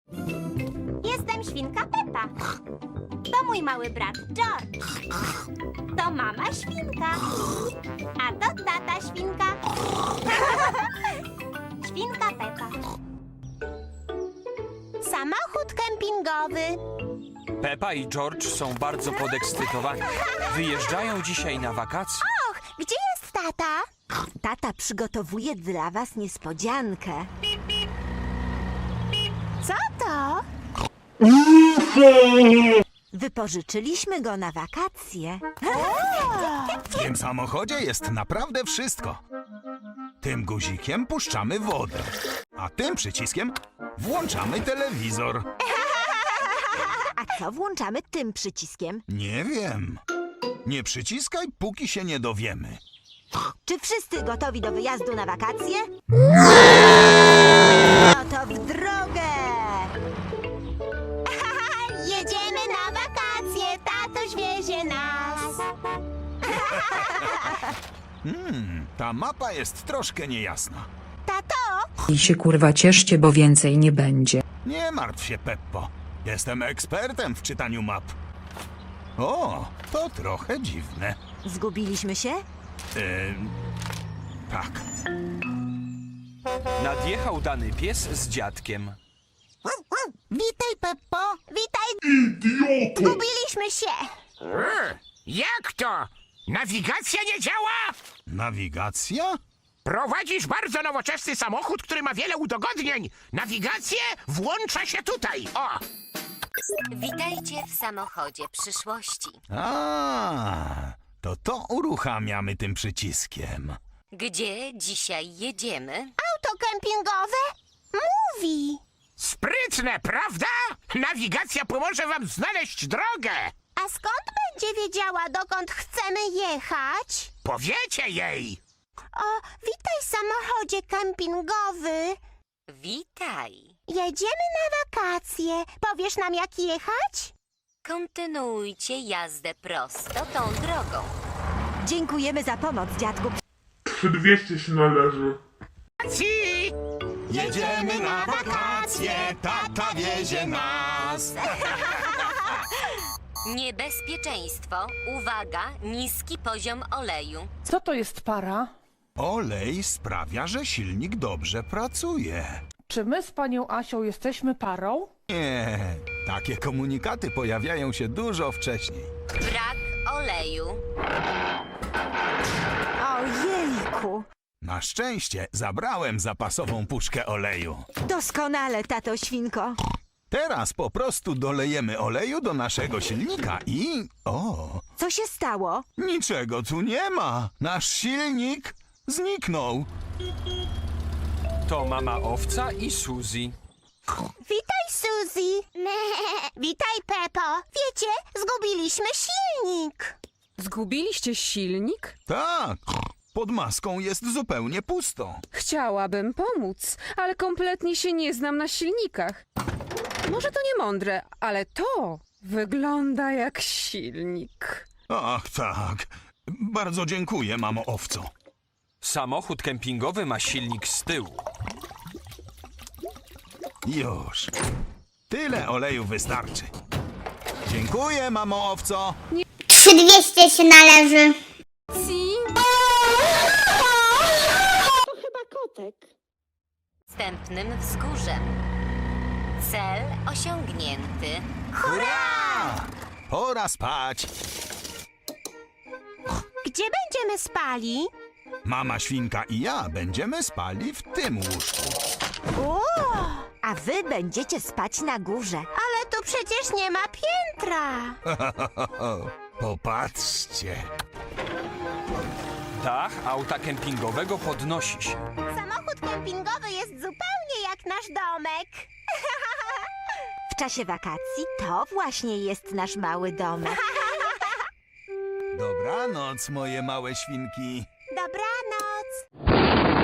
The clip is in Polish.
Jestem świnka Pepa. To mój mały brat George. To mama świnka. A to tata świnka. Świnka Pepa. Samochód kempingowy. Pepa i George są bardzo podekscytowani. Wyjeżdżają dzisiaj na wakacje. Och, gdzie jest tata? Tata przygotowuje dla was niespodziankę. Co to? Wypożyczyliśmy go na wakacje. W tym samochodzie jest naprawdę wszystko. Tym guzikiem puszczamy wodę, a tym przyciskiem włączamy telewizor. A co włączamy tym przyciskiem? Nie wiem. Nie przyciskaj, póki się nie dowiemy. Czy wszyscy gotowi do wyjazdu na wakacje? No to w drogę! Jedziemy na wakacje, tatuś wiezie nas. Ta mapa jest troszkę niejasna. Tato, I się kurwa cieszcie, bo więcej nie będzie. Nie martw się, Peppo. Jestem ekspertem w czytaniu map. O, to trochę dziwne. Zgubiliśmy się? Tak. Nadjechał dany pies z dziadkiem. witaj Peppo. Witaj. Idioto. Zgubiliśmy się. Jak to? Nawigacja nie działa? Nawigacja? Prowadzisz bardzo nowoczesny samochód, który ma wiele udogodnień. Nawigację włącza się tutaj. O! Witajcie w samochodzie przyszłości. To uruchamiamy tym przyciskiem. Gdzie dzisiaj jedziemy? Auto kempingowe mówi. Sprytne, prawda? Nawigacja pomoże wam znaleźć drogę. A skąd będzie wiedziała, dokąd chcemy jechać? Powiecie jej. O, witaj samochodzie kempingowy. Witaj. Jedziemy na wakacje. Powiesz nam, jak jechać? Kontynuujcie jazdę prosto tą drogą. Dziękujemy za pomoc, dziadku. 200 się należy. Ci! Jedziemy na wakacje, tata wiezie nas. Niebezpieczeństwo. Uwaga, niski poziom oleju. Co to jest para? Olej sprawia, że silnik dobrze pracuje. Czy my z panią Asią jesteśmy parą? Nie, takie komunikaty pojawiają się dużo wcześniej. Brak oleju. Ojejku! Na szczęście zabrałem zapasową puszkę oleju. Doskonale, tato świnko. Teraz po prostu dolejemy oleju do naszego silnika i... O, Co się stało? niczego tu nie ma. Nasz silnik zniknął. To mama owca i Suzy. Witaj, Suzy. Witaj, Peppo. Wiecie, zgubiliśmy silnik. Zgubiliście silnik? Tak, pod maską jest zupełnie pusto. Chciałabym pomóc, ale kompletnie się nie znam na silnikach. Może to nie mądre, ale to wygląda jak silnik. Ach tak, bardzo dziękuję, mamo owco. Samochód kempingowy ma silnik z tyłu. Już. Tyle oleju wystarczy. Dziękuję, mamo owco. 200 się należy. Wstępnym wzgórzem. Cel osiągnięty. Hurra! Pora spać. Gdzie będziemy spali? Mama świnka i ja będziemy spali w tym łóżku. O, A wy będziecie spać na górze. ale tu przecież nie ma piętra. Popatrzcie. Dach auta kempingowego podnosi się. Samochód kempingowy jest zupełnie jak nasz domek. W czasie wakacji to właśnie jest nasz mały domek. Dobranoc, moje małe świnki. Dobranoc.